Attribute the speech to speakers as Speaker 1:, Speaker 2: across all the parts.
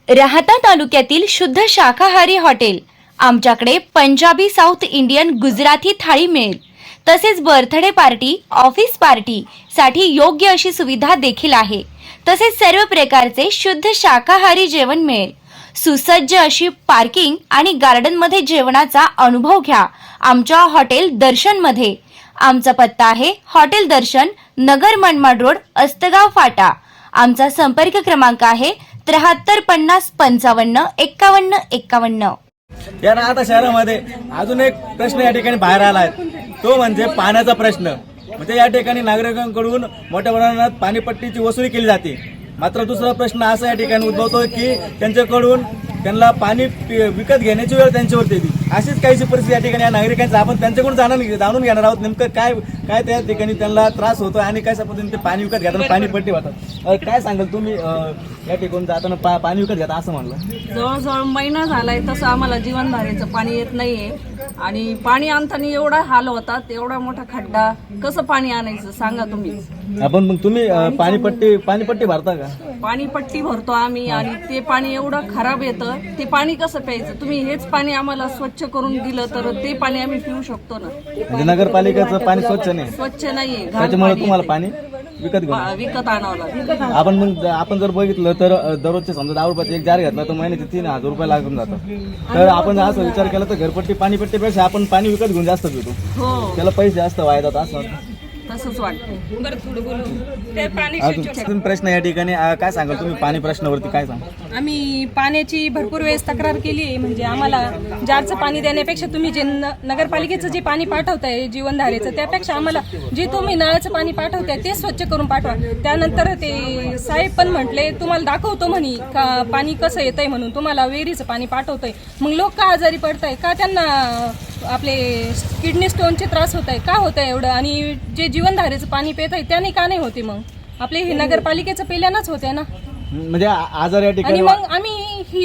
Speaker 1: राहता तालुक्यातील शुद्ध शाकाहारी हॉटेल। आमच्याकडे पंजाबी, साऊथ इंडियन, गुजराती थाळी मिळेल। तसेच बर्थडे पार्टी, ऑफिस पार्टी साठी योग्य अशी सुविधा देखील आहे। तसेच सर्व प्रकारचे शुद्ध शाकाहारी जेवण मिळेल। सुसज्ज अशी पार्किंग आणि गार्डन मध्ये जेवणाचा अनुभव घ्या आमच्या हॉटेल दर्शन मध्ये। आमचा पत्ता आहे हॉटेल दर्शन, नगर मनमाड रोड, अस्तगाव फाटा। आमचा संपर्क क्रमांक आहे 73 50 55 51 51।
Speaker 2: या राहता शहरामध्ये अजून एक प्रश्न या ठिकाणी बाहेर आला आहे, तो म्हणजे पाण्याचा प्रश्न। म्हणजे या ठिकाणी नागरिकांकडून मोठ्या प्रमाणात पाणीपट्टीची वसुली केली जाते। मात्र दुसरा प्रश्न असा या ठिकाणी उद्भवतो की त्यांच्याकडून त्यांना पाणी विकत घेण्याची वेळ त्यांच्यावरती येते। अशीच काहीशी परिस्थिती या ठिकाणी नागरिकांचं आपण त्यांच्याकडून जाणून घेणार आहोत। नेमकं काय त्या ठिकाणी त्यांना त्रास होतो आणि कशा पद्धतीने ते पाणी विकत घेताना पाणीपट्टी वाटतात। काय सांगाल तुम्ही या ठिकाणी जाताना पाणी विकत घेता असं म्हणलं?
Speaker 3: जवळजवळ महिना झालाय तसं आम्हाला जीवनधारेचं पाणी येत नाहीये आणि पाणी आणताना एवढा हाल होतात, एवढा मोठा खड्डा, कसं पाणी आणायचं सांगा तुम्ही।
Speaker 2: आपण मग तुम्ही पाणीपट्टी भरता का?
Speaker 3: पाणीपट्टी भरतो आम्ही आणि ते पाणी एवढं खराब येतं, ते पाणी कसं प्यायचं? तुम्ही हेच पाणी आम्हाला स्वच्छ करून दिलं तर ते पाणी आम्ही पिऊ शकतो ना।
Speaker 2: म्हणजे नगरपालिकेचं पाणी स्वच्छ नाही,
Speaker 3: स्वच्छ नाहीये,
Speaker 2: त्याच्यामुळे तुम्हाला पाणी विकत
Speaker 3: आणावं लागतं।
Speaker 2: आपण जर बघितलं तर दररोजचे समजा 10 रुपयाचा एक जार घेतला तर महिन्याचे 3000 रुपये लागून जातात। तर आपण असं विचार केला तर घरपट्टी पाणीपट्टीपेक्षा आपण पाणी विकत घेऊन जास्त पितो, त्याला पैसे जास्त वाया जातात असं
Speaker 3: तसंच वाटतं। बरं थोडं बोलू ते पाणी
Speaker 2: अजून प्रश्न या ठिकाणी काय सांगाल तुम्ही पाणी प्रश्नावरती काय सांगा?
Speaker 4: आम्ही पाण्याची भरपूर वेळेस तक्रार केली आहे। म्हणजे आम्हाला जारचं पाणी देण्यापेक्षा तुम्ही जे नगरपालिकेचं जे पाणी पाठवताय जीवनधारेचं, त्यापेक्षा आम्हाला जे तुम्ही नळाचं पाणी पाठवताय ते स्वच्छ करून पाठवा। त्यानंतर ते साहेब पण म्हटले तुम्हाला दाखवतो म्हणे का पाणी कसं येतंय म्हणून, तुम्हाला विहिरीचं पाणी पाठवतंय। मग लोक का आजारी पडताय, का त्यांना आपले किडनी स्टोनचे त्रास होत आहे, का होत आहे एवढं? आणि जे जीवनधारेचं पाणी पित आहे त्याने का नाही होते? मग आपले हे नगरपालिकेचं पेल्यानंच होते ना।
Speaker 2: म्हणजे आजार या ठिकाणी
Speaker 4: आणि मग आम्ही ही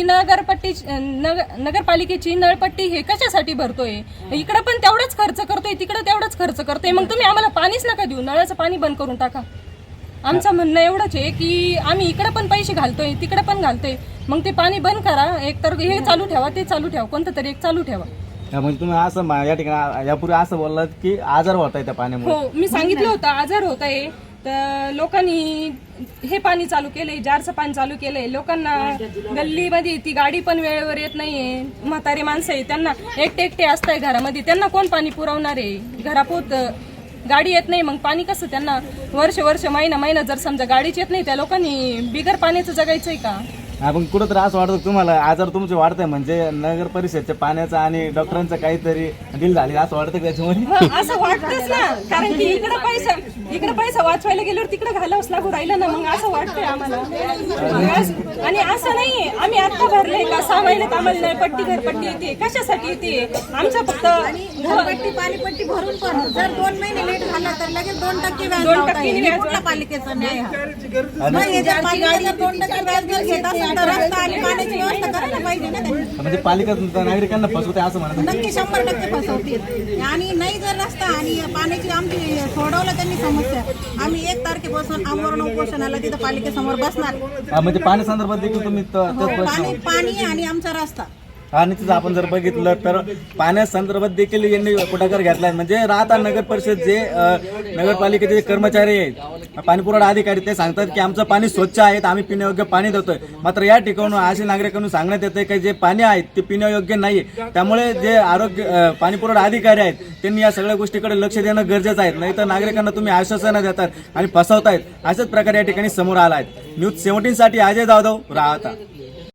Speaker 4: नगरपालिकेची नळपट्टी हे कशासाठी भरतोय? इकडे पण तेवढाच खर्च करतोय, तिकडे तेवढाच खर्च करतोय। मग तुम्ही आम्हाला पाणीच नका देऊ, नळाचं पाणी बंद करून टाका। आमचं म्हणणं एवढंच आहे की आम्ही इकडे पण पैसे घालतोय, तिकडे पण घालतोय, मग ते पाणी बंद करा। एक तर हे चालू ठेवा, ते चालू ठेवा, कोणतं तरी एक चालू ठेवा।
Speaker 2: म्हणजे तुम्ही असं या ठिकाणी यापूर्वी असं बोललात की आजार होत आहे त्या पाण्यामुळे?
Speaker 4: हो, मी सांगितलं होतं आजार होत आहे, तर लोकांनी हे पाणी चालू केलंय, जारचं पाणी चालू केलंय। लोकांना गल्लीमध्ये ती गाडी पण वेळेवर येत नाहीये, म्हातारी माणसं आहे, त्यांना एकटे असताय घरामध्ये, त्यांना कोण पाणी पुरवणार आहे? घरापोत गाडी येत नाही, मग पाणी कसं? त्यांना वर्ष महिना जर समजा गाडीच येत नाही, त्या लोकांनी बिगर पाण्याचं जगायचंय का?
Speaker 2: आपण कुठंतरी असं वाटतं तुम्हाला आजार तुमचे वाढतंय, म्हणजे नगर परिषदच्या पाण्याचा आणि डॉक्टरांचं काहीतरी डील झाली असं वाटतं त्याच्यामध्ये?
Speaker 4: असं वाटतंच ना, कारण की इकडे पैसा वाचवायला गेल्यावर तिकडे घालावंच लागू राहिलं ना, मग असं वाटतंय आम्हाला। आणि असं नाहीये आम्ही आता भरले का 6 महिन्यात आम्हाला नळपट्टी घरपट्टी येते, कशासाठी येते? आमचा फक्त
Speaker 5: घरपट्टी पाणीपट्टी भरून पण जर 2 महिने लेट झाला तर लगेच 2% व्याज लावता येईल। हे कुठला पालिकेचा न्याय हा? नाही, जर पालिकेला 2% व्याज जर घेत असेल तर रस्ता आणि पाण्याची व्यवस्था करायला पाहिजे ना त्यांनी।
Speaker 2: म्हणजे पालिका नागरिकांना फसवते असं म्हणतात?
Speaker 5: नक्की 100% फसवतील। आणि नाही जर रस्ता आणि पाण्याची आमची सोडवलं त्यांनी समस्या, आम्ही 1 तारखेपासून आमरण उपोषणाला तिथं पालिकेसमोर बसणार।
Speaker 2: म्हणजे पाणी संदर्भात देखील तुम्ही
Speaker 5: पाणी आणि आमचा रस्ता
Speaker 2: आणि तिथं आपण जर बघितलं तर पाण्या संदर्भात देखील यांनी पुढाकार घेतलाय। म्हणजे राहता नगर परिषद जे नगरपालिकेचे कर्मचारी आहेत, पाणीपुरवठा अधिकारी, ते सांगतात की आमचं पाणी स्वच्छ आहे, आम्ही पिण्यायोग्य पाणी देतोय। मात्र या ठिकाणून असे नागरिकांना सांगण्यात येते की जे पाणी आहे ते पिण्यायोग्य नाहीये। त्यामुळे जे पाणीपुरवठा अधिकारी आहेत त्यांनी या सगळ्या गोष्टीकडे लक्ष देणं गरजेचं आहे, नाही तर नागरिकांना तुम्ही आश्वासनं देतात आणि फसवतायत। अशाच प्रकारे या ठिकाणी समोर आला आहे। न्यूज 17 साठी अजय जाधव, राहता।